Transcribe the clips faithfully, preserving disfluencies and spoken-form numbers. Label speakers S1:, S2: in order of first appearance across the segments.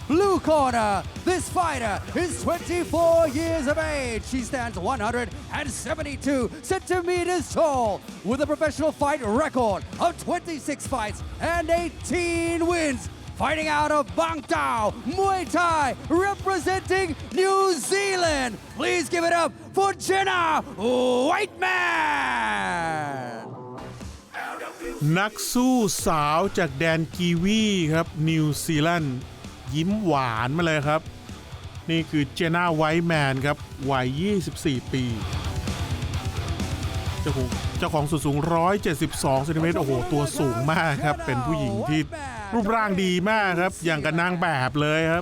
S1: blue corner. This fighter is twenty-four years of age. She stands one hundred seventy-two centimeters tall with a professional fight record of twenty-six fights and eighteen wins. Fighting out of Bang Tao, Muay Thai, representing New Zealand. Please give it up for Jenna Whiteman.
S2: นักสู้สาวจากแดนกีวีครับนิวซีแลนด์ยิ้มหวานมาเลยครับนี่คือเจน่าไวท์แมนครับวัยยี่สิบสี่ปีเจ้าของเจ้าของสูงสูงหนึ่งร้อยเจ็ดสิบสองเซนติเมตรโอ้โหตัวสูงมากครับเป็นผู้หญิงที่รูปร่างดีมากครับอย่างกับนางแบบเลยครับ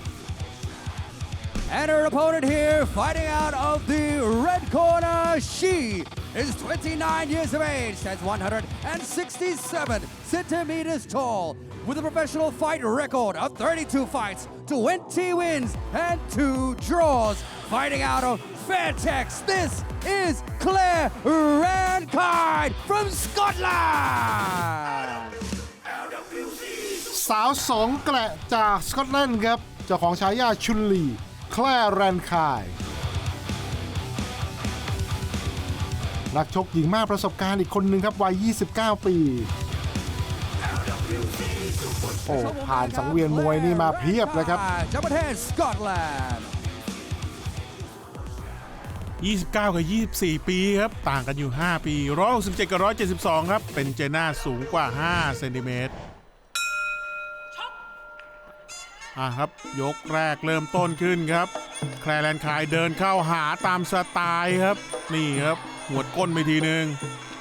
S1: And her opponent here, fighting out of the red corner, she is twenty-nine years of age, stands one hundred sixty-seven centimeters tall, with a professional fight record of thirty-two fights, twenty wins, and two draws. Fighting out of Fairtex, this is Claire Rankine from Scotland.
S3: สาวสองแกละจากสกอตแลนด์ครับเจ้าของฉายาชุนลีแคลร์แรนคายนักชกหญิงมากประสบการณ์อีกคนหนึ่งครับวัยยี่สิบเก้าปีโอ้ผ่านสังเวียนมวยนี่มาเพียบเลยครับ
S1: Scotland
S2: ยี่สิบเก้ากับยี่สิบสี่ปีครับต่างกันอยู่ห้าปีหนึ่งร้อยหกสิบเจ็ดกับหนึ่งร้อยเจ็ดสิบสองครับเป็นเจน่าสูงกว่าห้าเซนติเมตรอ่ะครับยกแรกเริ่มต้นขึ้นครับแคลร์แรนคายเดินเข้าหาตามสไตล์ครับนี่ครับหัวก้นไปทีนึง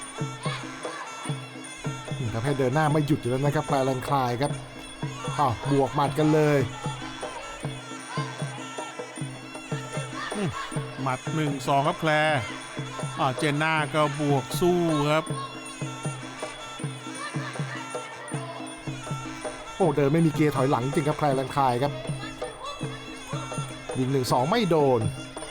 S3: นี่ครับให้เดินหน้าไม่หยุดอยู่แล้วนะครับแคลร์แรนคายครับอ้าวบวกหมัดกันเลย
S2: หมัดหนึ่งสองครับแคลร์อ่าเจนน่าก็บวกสู้ครับ
S3: โอ้เดินไม่มีเกียร์ถอยหลังจริงครับแคลร์แรนคายครับยิงหนึ่งสองไม่โดน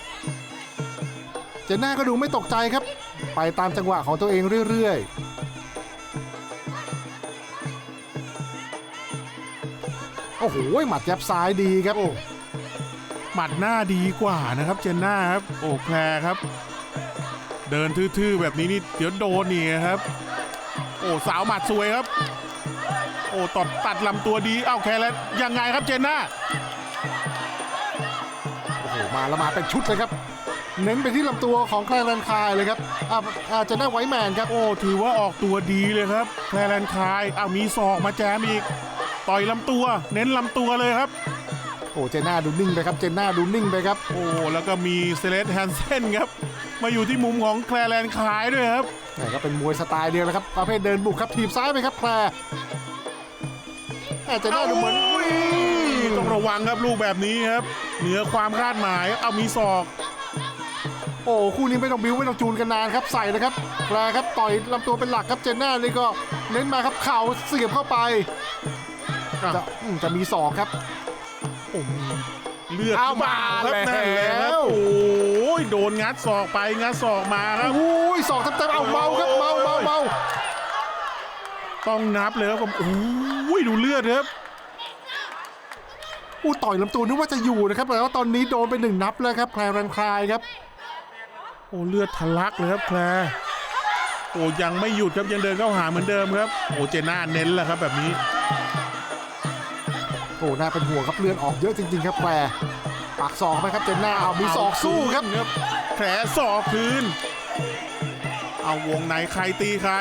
S3: เจนน่าก็ดูไม่ตกใจครับไปตามจังหวะของตัวเองเรื่อยๆโอ้โหหมัดยับซ้ายดีครับโอ้
S2: หมัดหน้าดีกว่านะครับเจนน่าครับโอ้แคลร์ครับเดินทื่อๆแบบนี้นี่เดี๋ยวโดนนี่ครับโอ้สาวหมัดสวยครับโอ้ตัดตัดลำตัวดีเอ้าแคลร์แล้วยังไงครับเจนน่า
S3: โอ้โหมาแล้วมาเป็นชุดเลยครับเน้นไปที่ลำตัวของแคลร์แรนคายเลยครับอ่าอาจจะได้ไวท์แมนครับ
S2: โอ้ถือว่าออกตัวดีเลยครับแคลร์แรนคายอ้าวมีศอกมาแจมอีกต่อยลำตัวเน้นลำตัวเลยครับ
S3: โอ้เจน่าดูนิ่งไปครับเจน่าดูนิ่งไปครับ
S2: โอ้แล้วก็มีเซเลสแฮนเซนครับมาอยู่ที่มุมของแคลร์แรนคายด้วยครับ
S3: นี่ก็เป็นมวยสไตล์เดียวนะครับประเภทเดินบุกครับถีบซ้ายไปครับแคลร์เจน่าดูเหมือน
S2: ต้องระวังครับลูกแบบนี้ครับเหนือความคาดหมายเอามีศอก
S3: โอ้คู่นี้ไม่ต้องบิ้วไม่ต้องจูนกันนานครับใส่เลยครับแคลร์ครับต่อยลำตัวเป็นหลักครับเจน่านี่ก็เน้นมาครับเข่าเสียบเข้าไปจะจะมีศอกครับ
S2: โอ้เลือดมาแล้วโอ้ยโดนงัดศอกไปงัดศอกมาครับ
S3: โอ้ยศอกเต็มๆเอาเมาครับเมาเมาเมา
S2: ต้องนับเลยครับผมโอ้ยดูเลือดครับ
S3: อู้ต่อยลำตัวนึกว่าจะอยู่นะครับแต่ว่าตอนนี้โดนไปหนึ่งนับแล้วครับแคลร์แรนคายครับ
S2: โอ้เลือดทะลักเลยครับแคลร์โอ้ยังไม่หยุดครับยังเดินเข้าหาเหมือนเดิมครับโอ้เจน่าเน้นแหละครับแบบนี้
S3: โอ้น่าเป็นห่วงครับเลือดออกเยอะจริงๆครับแคลร์ปากศอกไปครับเจน่าเอามีศอกสู้ครับ
S2: แผลศอกคืนเอาวงไหนใครตีใคร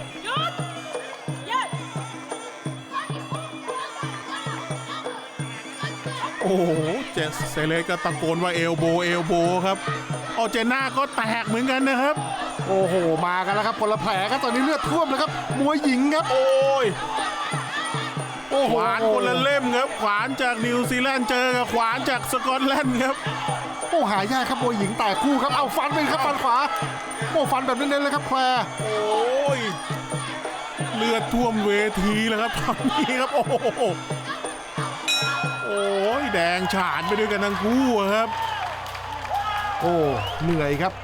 S2: โอ้โหเจเซเลสก็ตะโกนว่าเอลโบเอลโบครับโอเจน่าก็แตกเหมือนกันนะครับ
S3: โอ้โหมากันแล้วครับคนละแผลครับตอนนี้เลือดท่วมเลยครับมวยหญิงครับ
S2: โอ้ยขวานคนละเล่มครับขวานจากนิวซีแลนด์เจอกับขวานจากสกอตแลนด์ครับ
S3: โอ้หายากครับมวยหญิงแตกคู่ครับเอาฟันไปครับฟันขวาโอ้ฟันแบบเน้นๆเลยครับแคลร์
S2: โอ้ยเลือดท่วมเวทีแล้วครับตอนนี้ครับโอ้โหโอ้ยแดงฉานไปด้วยกันทั้งคู่ครับ
S3: โอ้เหนื่อยครับ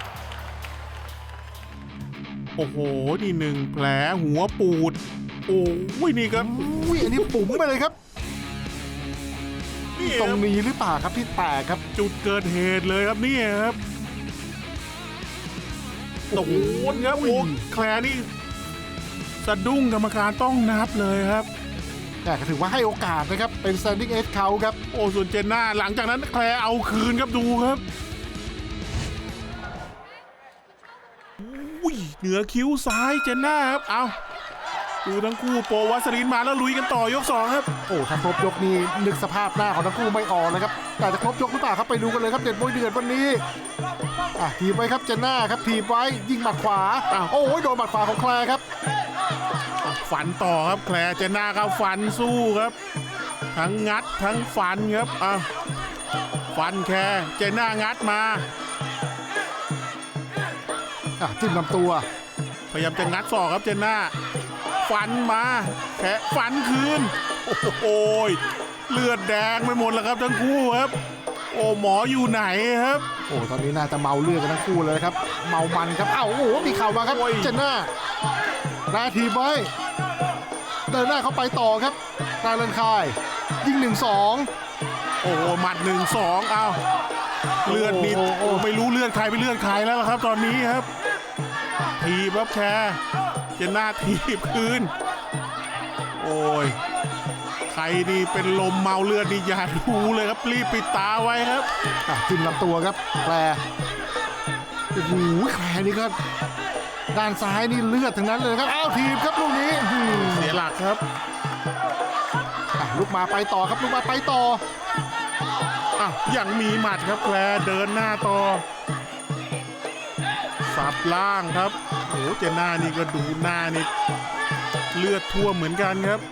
S2: โอ้โหนี่หนึ่งแผลหัวปูดโอ้ยนี่ครับ
S3: อุ้ยอันนี้ปุ๋มไปเลยครับ
S2: นี่
S3: ตรงนี้หรือเปล่าครับที่แตกครับ
S2: จุดเกิดเหตุเลยครับนี่ครับโอ้โหครับโอ้แคลร์นี่สะดุ้งกรรมการต้องนับเลยครับ
S3: แต่ก็ถือว่าให้โอกาสนะครับเป็น standing eight เขาครับ
S2: โอ้ส่วนเจนน่าหลังจากนั้นแคลร์เอาคืนครับดูครับอุ้ยเหนือคิ้วซ้ายเจนน่าครับเอาดูทั้งคู่โปรวัสลินมาแล้วลุยกันต่อยกสองครับ
S3: โอ้ถ้าครบยกนี้นึกสภาพหน้าของทั้งคู่ไม่ออกนะครับแต่จะครบยกหรือเปล่าครับไปดูกันเลยครับเด็ดมวยเดือดวันนี้อ่ะทีบไว้ครับเจนน่าครับทีบไว้ยิงหมัดขวาอ้าวโอ้ยโดนหมัดขวาของแคลร์ครับ
S2: ฟันต่อครับแคลร์เจนน่าก็ฟันสู้ครับ ทั้งงัดทั้งฟันครับอ่ะฟันแคลร์เจนน่างัดมา
S3: อ่ะจิ้มลำตัว
S2: พยายามจะงัดศอกครับเจนน่าฟันมาแค่ฟันคืนโอ้โหเลือดแดงไปหมดแล้วครับทั้งคู่ครับโอ้หมออยู่ไหนครับ
S3: โอ้ตอนนี้น่าจะเมาเลือดกันทั้งคู่เลยครับเมามันครับอ้าวโอ้โหมีเข่ามาครับ
S2: โอ้ย
S3: เจนน่าหน้าทีบไว้เดินหน้าเข้าไปต่อครับตาเลนคายยิงหนึ่งสอง
S2: โอ้โหหมัดหนึ่งสองเอาเลือดนิดโอ้ไม่รู้เลือดใครไปเลือดใครแล้วล่ะครับตอนนี้ครับทีบครับแคร์เจนน่าทีบคืนโอ้ยใครนี่เป็นลมเมาเลือดนี่อย่าดูเลยครับรีบปิดตาไว้ครับ
S3: อ่ะจิ้มลำตัวครับแคลร์โอ้โหแคลร์นี่ก็ด้านซ้ายนี่เลือดทั้งนั้นเลยครับอ้าวทีบครับลูกนี้อื้อหือ
S2: เสียหลักครับ
S3: อ่ะลุกมาไปต่อครับลุกมาไปต่อ
S2: อ่ะยังมีหมัดครับแคลร์เดินหน้าต่อสับล่างครับโอ้โหเจนน่านี่ก็ดูหน้านี่เลือดท่วมเหมือนกันครับ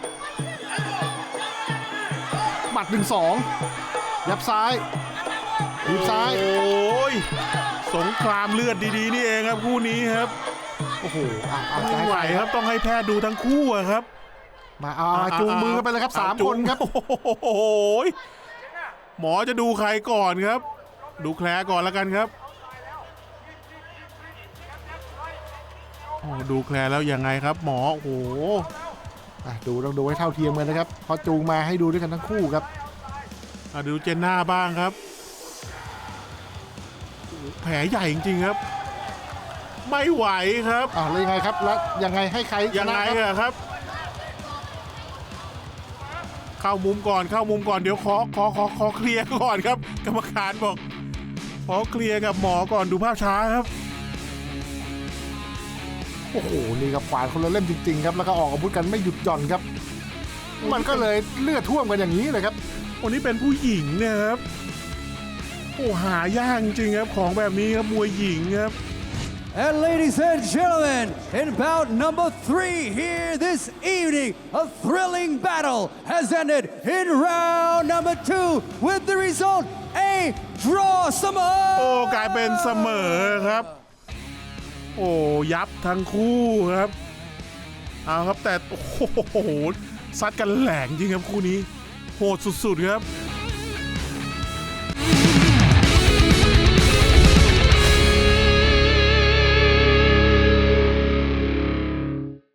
S3: หมัดหนึ่งสองยับซ้ายทีบซ้าย
S2: โอ้ยสงครามเลือดดีๆนี่เองครับคู่นี้ครับ
S3: โอ้โหอ่ะเอาใจ
S2: ไม่ไหวครับต้องให้แพทย์ดูทั้งคู่อะครับ
S3: มาเอาเอาจูงมือกันไปเลยครับสาม
S2: จู
S3: ค
S2: ง
S3: นครับ
S2: โอ้โหหมอจะดูใครก่อนครับ ดูแคลร์ก่อนแล้วกันครับโอ้ดูแคลร์แล้วยังไงครับ หมอโอ้โห
S3: อ่ะดูต้องดูให้เท่าเทียมกันนะครับเพอจูงมาให้ดูด้วยกันทั้งคู่ครับ
S2: อ่ะดูเจนน่าบ้างครับโอ้โหแผลใหญ่จริงๆครับ ไม่ไหวครับ
S3: อ่ะแล้วยังไงครับแล้วยังไงให้ใครช
S2: ยัง
S3: นะ
S2: ไง
S3: ครับ
S2: อะครับ เข้ามุมก่อนเข้ามุมก่อนเดี๋ยวขอขอขอขอเคลียร์ก่อนครับ กรรมการบอกขอเคลียร์กับหมอก่อนดูภาพช้าครับ
S3: โอ้โหนี่ครับขวานคนละเล่มจริงๆครับแล้วก็ออกอาวุธกันไม่หยุดหย่อนครับ มันก็เลยเลือดท่วมกันอย่างนี้เลยครับ
S2: วันนี้เป็นผู้หญิงเนะครับโอ้หายากจริงๆครับของแบบนี้ครับมวยหญิงครับ
S1: And ladies and gentlemen, in bout number three here this evening, a thrilling battle has ended in round number two with the result a draw เสมอ
S2: โอ้กลายเป็นเสมอครับ โอ้ยับทั้งคู่ครับเอาครับแต่โอ้โหซัดกันแหลงจริงครับคู่นี้โหดสุดๆครับ